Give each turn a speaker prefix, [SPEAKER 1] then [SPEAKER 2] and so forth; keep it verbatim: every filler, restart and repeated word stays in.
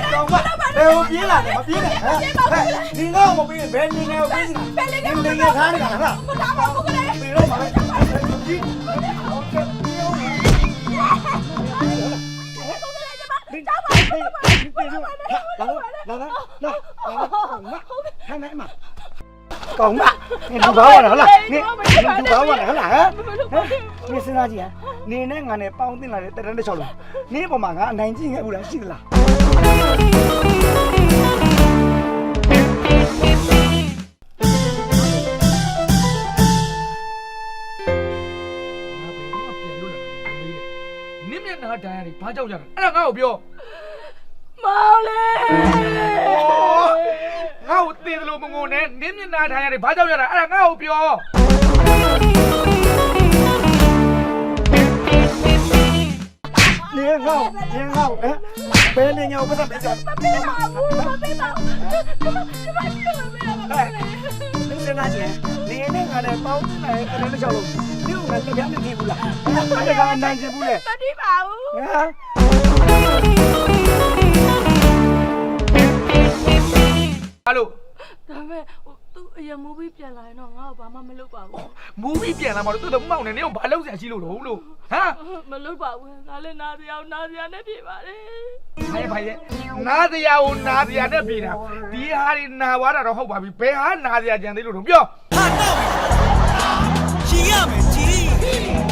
[SPEAKER 1] ကောင်မဘယ်ကိုပြေးလာလဲမပြေးနဲ့ဟမ်ဒီငါ့ကိုမပြေးဘယ်နေငယ်ကိုပြေးစရာဒီနေငယ်ထားနေတာလားမထားပါဘူးကလေးပြေးတော့ပါလေဒီလာလာလာကောင်မနေဒီဘာဝလားဟုတ်လားနေဒီဘာဝလားဟုတ်လားဟမ်နေစဉ်းစားကြည့်ဟမ်နေနဲ့ငါနဲ့ပေါင်းတင်လာတဲ့တရန်တစ်ချောက်လုံးနေပေါ်မှာငါအနိုင်ကျင့်ခဲ့ဘူးလားရှိသလား
[SPEAKER 2] နင့်မျက်နှာဒဏ်ရာတွေဘာကြောက်ကြတာအဲ့ဒါငါ့ကိုပြော
[SPEAKER 3] မောင်လေး
[SPEAKER 2] ငါ့ကိုသေတယ်လို့မငုံနဲ့နင်းမျက်နှာထိုင်ရတယ်ဘာကြောက်ရတာအဲ့ဒါငါ့ကိုပြော
[SPEAKER 1] နေငါ့နေငါ့ဟမ်ဘယ်နေငါ့ကိုပတ်သက်ကြမပေးပါဘူးမပေးပါဘူးဒီမှာဒီမှာဒီမှာနေစဉ်းစားကြည့်နေနဲ့ငါနဲ့ပေါင်းတင်လာတဲ့တရန်တစ်ချောက်လုံးဒီကငါတရားမကြည့်ဘူးလားအဲ့ဒါကအနိုင်ကျင့်ဘူးလေ
[SPEAKER 3] မတိပါဘူး
[SPEAKER 1] ဟမ်
[SPEAKER 2] ဟာလို့
[SPEAKER 3] ဒါပေမဲ့သူအရင်မူဗီပြန်လာရင်တော့ငါ့ကိုဘာမှမလုပ်ပါဘူး
[SPEAKER 2] မူဗီပြန်လာမှတော့သူ့တော့မောက်နေနေကိုဘာလုပ်စရာရှိလို့လို့လို့ဟမ်
[SPEAKER 3] မလုပ်ပါဘူးငါလည်းနားစရာနားစရာနဲ့ပြေပါတယ်
[SPEAKER 2] ဘာရဲ့ဘာရဲ့နားတရားကိုနားတရားနဲ့ပြေတာဒီဟာတွေနာသွားတာတော့ဟုတ်ပါပြီဘယ်ဟာနားတရားကြံသေးလို့တော့ပြော
[SPEAKER 4] ဟာတော့ရှင်ရမယ်ကြီး